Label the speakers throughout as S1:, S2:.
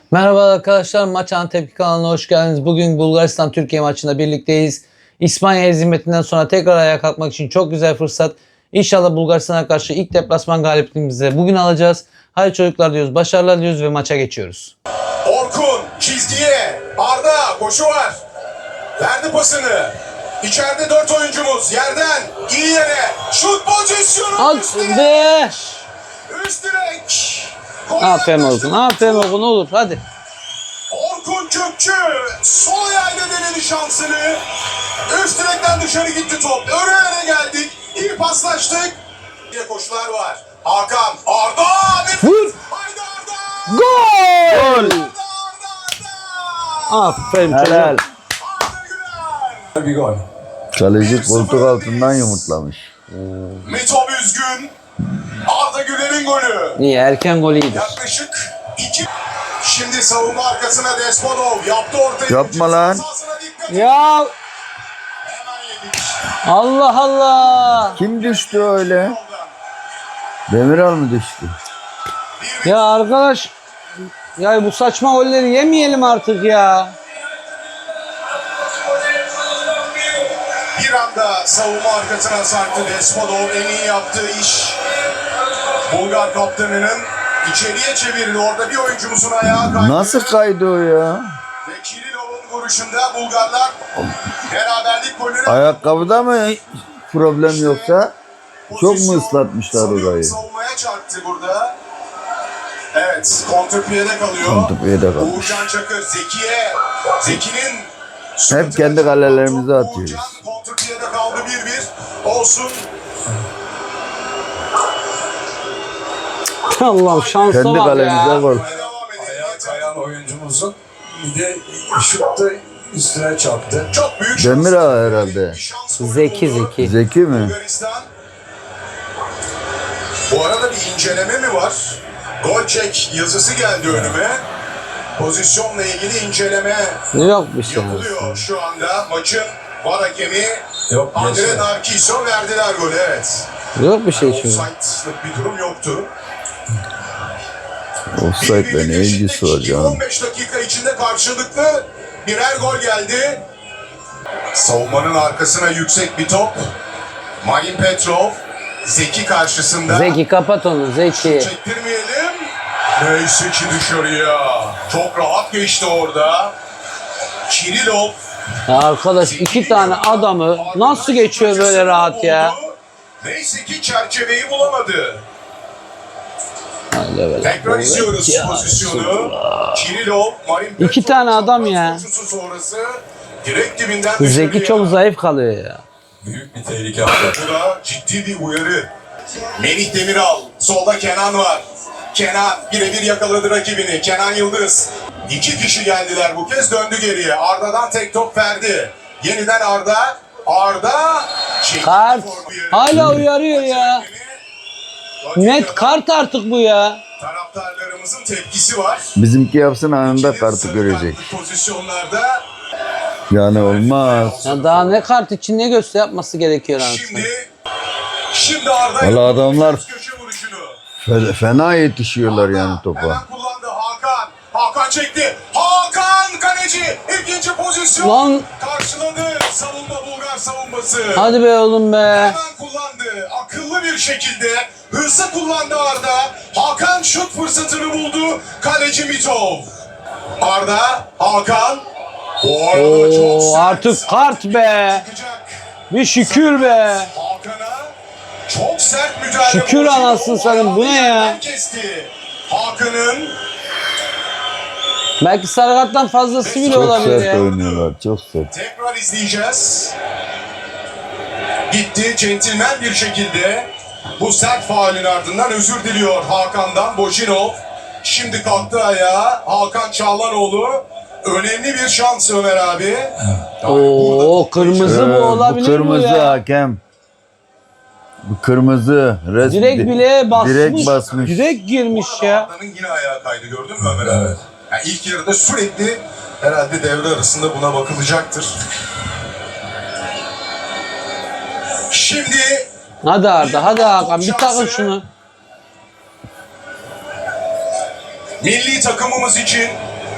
S1: Merhaba arkadaşlar, Maç Anı Tepki kanalına hoş geldiniz. Bugün Bulgaristan-Türkiye maçında birlikteyiz. İspanya hezimetinden sonra tekrar ayağa kalkmak için çok güzel fırsat. İnşallah Bulgaristan'a karşı ilk deplasman galibiyetimizi bugün alacağız. Haydi çocuklar diyoruz, başarılar diliyoruz ve maça geçiyoruz.
S2: Orkun çizgiye, Arda koşu var. Verdi pasını. İçeride 4 oyuncumuz yerden iyi yere şut pozisyonu.
S1: At be!
S2: Üst direk.
S1: Aferin Orkun, aferin Orkun, olur hadi.
S2: Orkun Kökçü sol ayağıyla denedi şansını. Üst direkten dışarı gitti top. Öne geldik. İyi paslaştık. Bir koşular var. Hakan, Arda.
S1: Vur!
S2: Haydi Arda.
S1: Gol!
S2: Arda.
S1: Aferin
S3: Helal.
S1: çocuk.
S2: Arda Güler.
S3: Bir gol.
S4: Kaleci koltuk altından yumurtlamış.
S2: Mitov üzgün. Arda Güler'in golü.
S1: Niye? Erken gol iyidir.
S2: Yaklaşık 2. Şimdi savunma arkasına Despodov yaptı ortayı.
S4: Yapma lan.
S2: Sahasına dikkat.
S1: Ya
S2: Hemen yedik.
S1: Allah Allah!
S4: Kim düştü öyle? Demiral mı düştü?
S1: Ya arkadaş, ya bu saçma golleri yemeyelim artık ya.
S2: Bir anda savunma arkasına sarktı Despodov. En iyi yaptığı iş. Bulgar kaptanının içeriye çevirdi. Orada bir oyuncumuzun ayağı kaydı.
S4: Nasıl kaydı o ya?
S2: Ve Kirilov'un vuruşunda Bulgarlar beraberlik golünü...
S4: Ayakkabıda mı problem yoksa? Çok mu ıslatmışlar orayı?
S2: Savunmaya çarptı burada. Evet, kontrpiyede kalıyor.
S4: Kontrpiyede kalmış.
S2: Uğurcan Çakır, Zeki'ye. Zeki'nin...
S4: Hep kendi kalelerimize atıyoruz.
S2: Uğurcan kontrpiyede kaldı 1-1. Olsun.
S1: Allah'ım şansa
S4: Kendi
S1: bak
S4: kalemize
S1: ya.
S4: gol.
S2: Devam edelim.
S3: Ayağa kayan oyuncumuzun bir de şutta üstüne çarptı.
S2: Çok büyük
S4: Demiral herhalde.
S2: bir şans golü
S1: Zeki
S2: buldu.
S1: Zeki.
S4: Zeki mi?
S2: Bulgaristan. Bu arada bir inceleme mi var? Gol çek yazısı geldi önüme. Pozisyonla ilgili inceleme
S1: Yok bir şey.
S2: yapılıyor şu anda. Maçın var hakemi
S3: Yok,
S2: Andre
S3: yaşa.
S2: Narciso verdiler golü, evet.
S1: Yok bir şey çünkü.
S2: Offside'lık bir durum yoktu.
S4: Offside'le ne ilgisi var canım?
S2: 15 dakika içinde karşılıklı birer gol geldi. Savunmanın arkasına yüksek bir top. Marin Petrov, Zeki karşısında.
S1: Zeki kapat onu Zeki.
S2: Çektirmeyelim. Neyse ki dışarıya. Çok rahat geçti orada. Kirilov.
S1: Ya arkadaş iki tane adamı nasıl geçiyor böyle rahat ya?
S2: Neyse ki çerçeveyi bulamadı.
S1: Haydi böyle.
S2: Tekrar izliyoruz
S1: Ya,
S2: pozisyonu. Kirilov, Marin Petrov.
S1: İki tane adam ya.
S2: Koşusu sonrası direkt dibinden
S1: Zeki
S2: dışarıya.
S1: çok zayıf kalıyor ya.
S3: Büyük bir tehlike attı.
S2: Bu da ciddi bir uyarı. Melih Demiral. Solda Kenan var. Kenan birebir yakaladı rakibini. Kenan Yıldız. 2 kişi geldiler bu kez, döndü geriye. Arda'dan tek top verdi. Yeniden Arda. Arda. çekti
S1: Kart.
S2: formayı.
S1: Hala uyarıyor ya. Net kart artık bu ya.
S2: Taraftarlarımızın tepkisi var.
S4: Bizimki yapsın anında
S2: İkili
S4: kartı
S2: sarı
S4: görecek.
S2: kartlı pozisyonlarda.
S4: Yani olmaz.
S1: Ya daha ne kart için ne göster yapması gerekiyor artık.
S2: Şimdi Arda
S4: Valla adamlar
S2: köşe vuruşunu.
S4: fena yetişiyorlar yani topa.
S2: Hemen kullandı Hakan. Hakan çekti. Hakan kaleci. İkinci pozisyon.
S1: Lan.
S2: Karşıladı savunma, Bulgar savunması.
S1: Hadi be oğlum be.
S2: Hemen kullandı. Akıllı bir şekilde. Hızlı kullandı Arda. Hakan şut fırsatını buldu. Kaleci Mitov. Arda, Hakan. Bu arada çok
S1: Oo,
S2: sert.
S1: artık kart be.
S2: Çıkacak.
S1: Bir şükür be.
S2: Hakan'a çok sert müdahale.
S1: Şükür
S2: Boşuna
S1: anasını
S2: o
S1: satayım, bu ne ya?
S2: ayağını kesti. Hakan'ın
S1: Belki sarı karttan fazlası bile
S4: Çok
S1: olabilir
S4: sert
S1: ya.
S4: oynuyorlar, çok sert.
S2: tekrar izleyeceğiz. Gitti centilmen bir şekilde. Bu sert faulün ardından özür diliyor Hakan'dan Bojinov. Şimdi kalktı ayağa Hakan Çağlanoğlu. Önemli bir şans Ömer abi.
S1: Oo, kırmızı bu olabilir
S4: bu kırmızı
S1: bu ya.
S4: hakem. Bu kırmızı.
S1: Direkt bile basmış.
S4: Direkt basmış.
S1: Direkt girmiş ya.
S2: Arda'nın yine ayağa kaydı, gördün mü Ömer abi? Yani ilk yarıda sürekli herhalde devre arasında buna bakılacaktır. Şimdi
S1: Hadi Arda, hadi Hakan bir takın şunu.
S2: milli takımımız için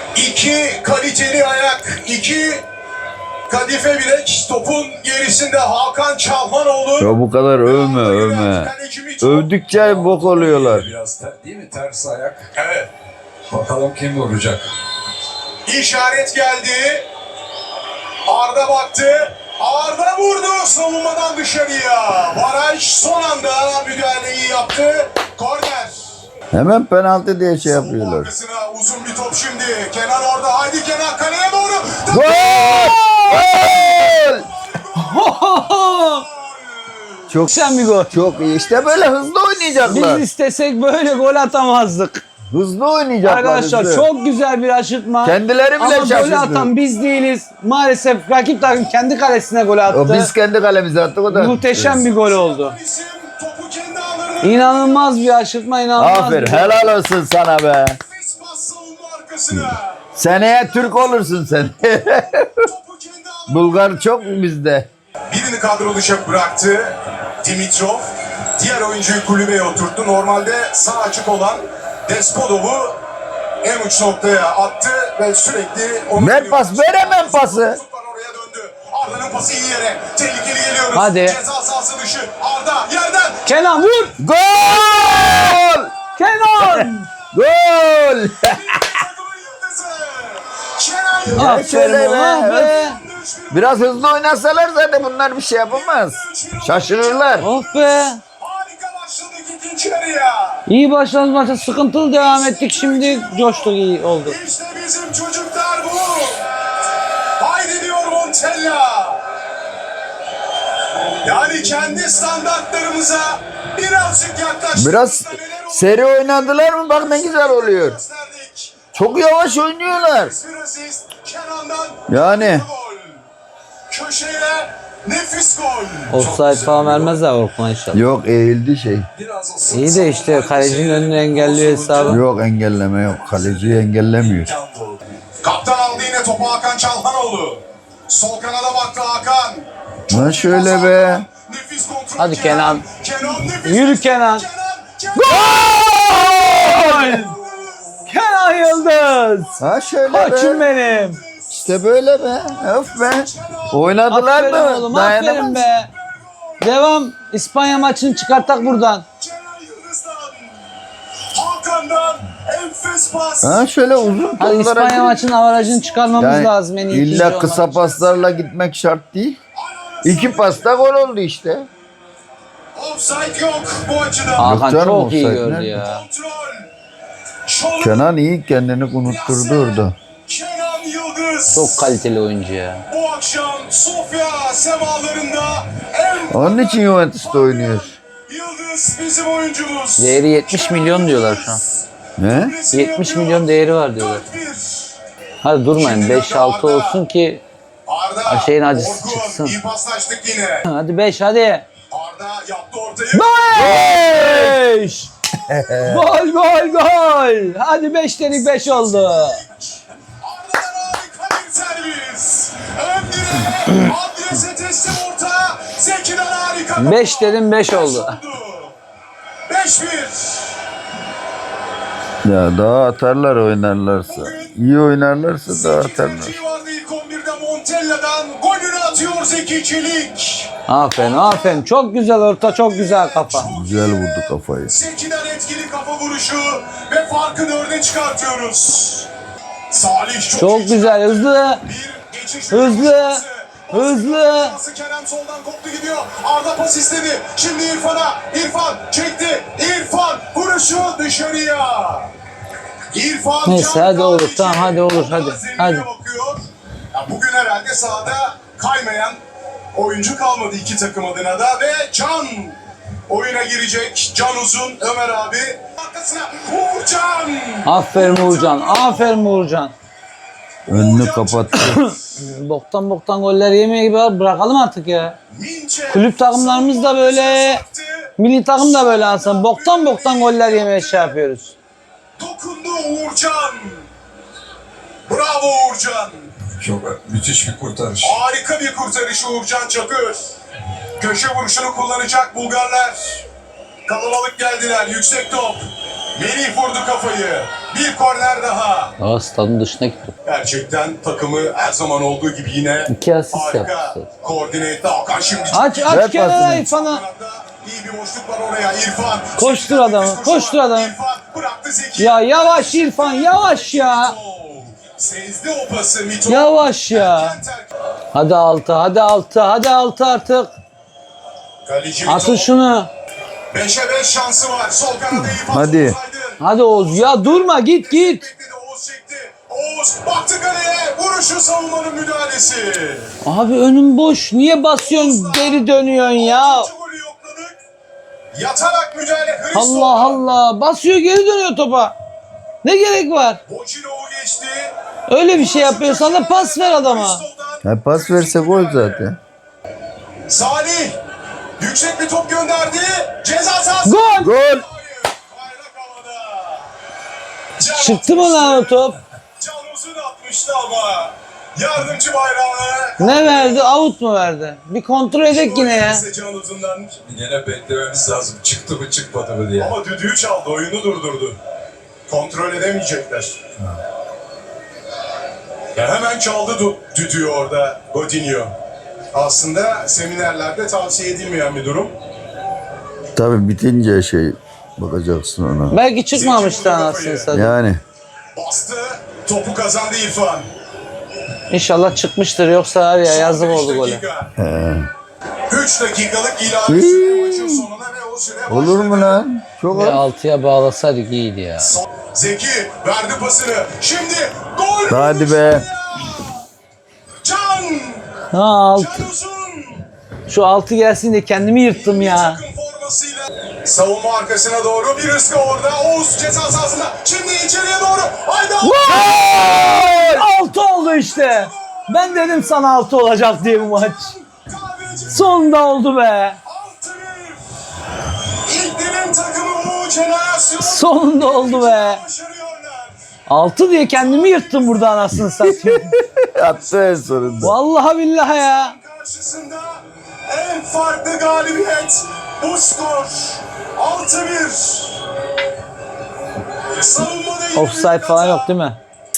S2: İki kaliteli ayak, iki kadife bilek. Topun gerisinde Hakan Çalhanoğlu.
S4: Ya bu kadar övme. Övdükçe bok oluyorlar.
S3: Biraz değil mi? Ters ayak.
S2: Evet.
S3: Bakalım kim vuracak.
S2: İşaret geldi. Arda baktı. Arda vurdu savunmadan dışarıya. Baraj son anda müdahaleyi yaptı. Korner.
S4: Hemen penaltı diye şey
S2: Savunma
S4: yapıyorlar.
S2: arkasına uzun bir top şimdi. Kenan orada. Haydi Kenan kaleye doğru.
S4: Gol! Gol! Çok
S1: Sen bir gol.
S4: Çok iyi. İşte böyle hızlı
S1: Biz
S4: oynayacaklar.
S1: istesek böyle gol atamazdık.
S4: Hızlı oynayacaklar.
S1: Arkadaşlar
S4: hızlı.
S1: çok güzel bir aşırtma.
S4: Kendileri bile
S1: ama golü
S4: şaşırdı.
S1: atan biz değiliz. Maalesef rakip takım kendi kalesine gol attı.
S4: O biz kendi kalemize attık o da.
S1: Muhteşem bir gol oldu.
S2: İsim topu kendi ağlarına.
S1: İnanılmaz bir aşırtma, inanılmaz
S4: Aferin.
S1: bir
S4: Helal olsun sana be.
S2: Nefis pas savunma arkasına.
S4: Seneye Türk olursun sen.
S2: Topu kendi ağlarına.
S4: Bulgar çok bizde.
S2: Birini kadro dışı bıraktı Dimitrov. Diğer oyuncuyu kulübeye oturttu. Normalde sağ açık olan Despodov'u en uç noktaya attı ve sürekli onu...
S4: Ver pas, ver hemen pası.
S2: Oraya döndü. Arda'nın pası iyi yere. Tehlikeli geliyoruz.
S1: Hadi.
S2: Ceza sahası dışı. Arda yerden.
S1: Kenan vur!
S4: Gol!
S1: Kenan!
S4: Gol!
S2: Takımın yıldızı. Kenan Yıldız.
S4: Ya
S1: Aferin
S4: şöyle
S1: oğlum
S4: be.
S1: be.
S4: Biraz hızlı oynasalar zaten bunlar bir şey yapamaz. Şaşırırlar.
S1: Oh be.
S2: Harika başladık ikinci yarıya.
S1: İyi başladık maça, sıkıntılı devam ettik, şimdi coştuk, iyi oldu.
S2: İşte bizim çocuklar bu. Haydi diyor Montella. Yani kendi standartlarımıza birazcık yaklaştık.
S4: Biraz seri oynadılar mı bak ne güzel oluyor.
S2: Gösterdik.
S4: Çok yavaş oynuyorlar.
S2: Bir asist Kenan'dan
S4: Yani.
S2: gol. Köşeyle nefis gol.
S1: Offside falan vermezler Orkun'a inşallah.
S4: Yok eğildi şey.
S3: Biraz o
S1: İyi de işte kalecinin önünü engelliyor hesabı.
S4: Yok engelleme yok. Kaleciyi engellemiyor.
S2: Kaptan aldı yine topu Hakan Çalhanoğlu. Sol kanada baktı Hakan.
S4: Lan şöyle be.
S2: Nefis kontrol.
S1: Hadi Kenan.
S2: Kenan nefis.
S1: Yürü Kenan.
S2: Kenan.
S1: Gol! Kenan Yıldız!
S4: Ha şöyle
S1: Koçum
S4: be.
S1: benim.
S4: İşte böyle be. Öf be. Oynadılar
S1: Aferin
S4: mı?
S1: oğlum, aferin
S4: Dayanamaz.
S1: be. Devam. İspanya maçını çıkarttak buradan.
S2: Kenan Yıldız'dan. Hakan'dan enfes pas.
S4: Ha şöyle uzun
S1: Hadi
S4: toplara
S1: İspanya
S4: gir.
S1: maçının avarajını çıkarmamız lazım en iyi ikinci
S4: illa
S1: olmak
S4: kısa
S1: için.
S4: paslarla gitmek şart değil. İki pasta gol oldu işte.
S2: Offside yok bu açıdan.
S1: Hakan
S4: Yok canım,
S1: çok iyi
S4: offside
S1: gördü
S4: nerede?
S1: ya.
S2: Kontrol. Şolun
S4: Kenan iyi kendini unutturdu orada.
S2: Kenan Yıldız.
S1: Çok kaliteli oyuncu ya.
S2: Bu akşam Sofya semalarında en
S4: Onun için Juventus'ta oynuyor.
S2: Yıldız bizim oyuncumuz.
S1: Değeri 70 milyon diyorlar şu an.
S4: Ne?
S1: 70 milyon değeri var diyorlar.
S2: 4-1.
S1: Hadi durmayın, 5-6 olsun ki
S2: Arda.
S1: şeyin acısı
S2: Orkun,
S1: çıksın.
S2: İyi paslaştık yine.
S1: hadi 5 hadi.
S2: Arda yaptı ortayı.
S1: 5! Gol gol gol. Hadi 5 dedik 5 oldu.
S2: Arda'dan harika bir servis. Ön direğe, adrese teslim orta. Zeki'den harika.
S1: 5 dedim 5 oldu.
S2: 5-1.
S4: Ya daha atarlar oynarlarsa. İyi oynarlarsa daha atarlar.
S2: Zeki vardı ilk 11'de Montella'dan. Golünü atıyor Zeki Çelik.
S1: Aferin aferin. Çok güzel orta, çok güzel kafa.
S4: Güzel vurdu kafayı.
S2: Zeki'den etkili kafa vuruşu ve farkı 4'e çıkartıyoruz. Salih
S1: Çok güzel, hızlı.
S2: Bir geçiş
S1: Hızlı,
S2: şansı.
S1: hızlı.
S2: Pası Kerem soldan koptu gidiyor. Arda pas istedi. Şimdi İrfan'a. İrfan çekti. İrfan vuruşu dışarıya. İrfan
S1: Neyse,
S2: Can
S1: hadi olur,
S2: Kahveci.
S1: tamam, hadi olur,
S2: Orada
S1: hadi,
S2: zemine
S1: hadi.
S2: bakıyor. Ya bugün herhalde sahada kaymayan oyuncu kalmadı iki takım adına da ve Can oyuna girecek. Can Uzun, Ömer abi. Arkasına Uğurcan.
S1: Aferin Uğurcan, aferin Uğurcan.
S4: Önünü kapattı.
S1: Boktan goller yemeye gibi var. Bırakalım artık ya.
S2: Minçe.
S1: Kulüp takımlarımız da böyle, milli takım da böyle aslında. Boktan goller yemeye şey yapıyoruz.
S2: Dokundu Uğurcan. Bravo Uğurcan.
S3: Çok müthiş bir kurtarış.
S2: Harika bir kurtarış Uğurcan Çakır. Köşe vuruşunu kullanacak Bulgarlar. Kalabalık geldiler. Yüksek top. Melih vurdu kafayı. Bir korner daha.
S1: Aa, stadın dışına gitti.
S2: Gerçekten takımı her zaman olduğu gibi yine
S1: 2 asist
S2: harika
S1: yaptı.
S2: koordine etti. Hakan şimdi
S1: Aç
S4: Ver
S1: kenara
S4: pasını.
S1: İrfan'a.
S2: İyi bir boşluk var oraya. İrfan.
S1: Koştur adamı, koştur adamı.
S2: İrfan bıraktı Zeki.
S1: Ya yavaş İrfan, yavaş ya.
S2: Sezdi o pası Mito.
S1: Yavaş ya. Hadi 6, hadi 6, hadi 6 artık.
S2: Kaleci Mito.
S1: Atın şunu.
S2: 5'e 5 şansı var. Sol kanada İrfan.
S4: Hadi.
S2: Oğuz Aydın.
S1: Hadi Oğuz ya, durma, git git.
S2: Bekledi, Oğuz çekti. Oğuz baktı kaleye. Vuruşu, savunmanın müdahalesi.
S1: Abi önüm boş. Niye basıyorsun, geri dönüyorsun ya?
S2: 6. golü yokladık. Yatarak müdahale. Hristo.
S1: Allah Allah. Basıyor, geri dönüyor topa. Ne gerek var?
S2: Bocinov'u geçti.
S1: Öyle bir şey yapıyorsan da pas ver adama.
S2: Hristo'dan
S4: Ha, pas verse gol zaten.
S2: Salih yüksek bir top gönderdi. Ceza sahası.
S1: Gol!
S4: Gol!
S2: Hayır, bayrak havada. Can
S1: Çıktı mı lan o top?
S2: Can uzun atmıştı ama yardımcı bayrağına.
S1: Ne verdi? Out mu verdi? Bir kontrol edek yine ya.
S2: Can uzundan.
S3: Yine beklememiz lazım. Çıktı mı çıkmadı mı diye.
S2: Ama düdüğü çaldı, oyunu durdurdu. Kontrol edemeyecekler. Ya hemen çaldı düdüğü orada Godinho. Aslında seminerlerde tavsiye edilmeyen bir durum.
S4: Tabii bitince bakacaksın ona.
S1: Belki çıkmamıştı anasını satayım.
S4: Yani.
S2: Bastı, topu kazandı İrfan.
S1: İnşallah çıkmıştır, yoksa var ya yazık oldu gole.
S2: 3 dakikalık ilave süre maçın sonuna ve o süre başladı.
S4: Olur mu lan? Çok
S1: Bir
S4: az.
S1: 6'ya bağlasaydık iyiydi ya.
S2: Zeki verdi pasını. Şimdi gol.
S4: Hadi be.
S2: Can.
S1: Ha 6.
S2: Can Uzun.
S1: Şu 6 gelsin de kendimi yırttım ya.
S2: Takım formasıyla savunma arkasına doğru bir ıska orada. Oğuz ceza sahasında. Şimdi içeriye doğru. Haydi.
S1: 6 oldu işte. Ben dedim sana 6 olacak diye bu maç. Sonunda oldu be.
S2: 6-1. İlklerin takımı bu jenerasyon.
S1: Sonunda oldu be.
S2: Başarıyorlar.
S1: 6 diye kendimi yırttım burada anasını satayım.
S4: Attı en sonunda.
S1: Vallahi billahi ya.
S2: Karşısında en farklı galibiyet. Bu skor 6-1. Savunmada yine
S1: Offside
S2: büyük
S1: falan
S2: hata.
S1: yok değil mi?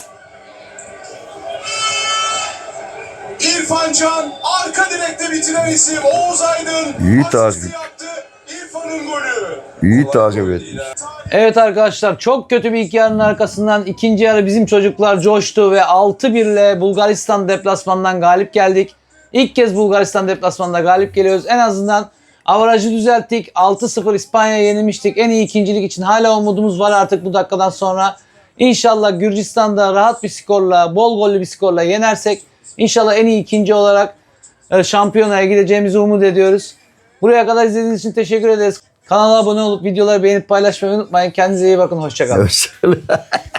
S2: İrfan Can arka direkte bitiren isim. Oğuz Aydın
S4: İyi
S2: asisti
S4: takip.
S2: yaptı. İrfan'ın golü.
S4: İyi takip etmiş.
S1: Evet arkadaşlar, çok kötü bir ilk yarının arkasından ikinci yarı bizim çocuklar coştu ve 6-1 ile Bulgaristan deplasmanından galip geldik. İlk kez Bulgaristan deplasmanında galip geliyoruz. En azından avarajı düzelttik. 6-0 İspanya'ya yenilmiştik. En iyi ikincilik için hala umudumuz var artık bu dakikadan sonra. İnşallah Gürcistan'da rahat bir skorla, bol gollü bir skorla yenersek İnşallah en iyi ikinci olarak şampiyonaya gideceğimizi umut ediyoruz. Buraya kadar izlediğiniz için teşekkür ederiz. Kanala abone olup videoları beğenip paylaşmayı unutmayın. Kendinize iyi bakın. Hoşça kalın.
S4: Hoşçakalın.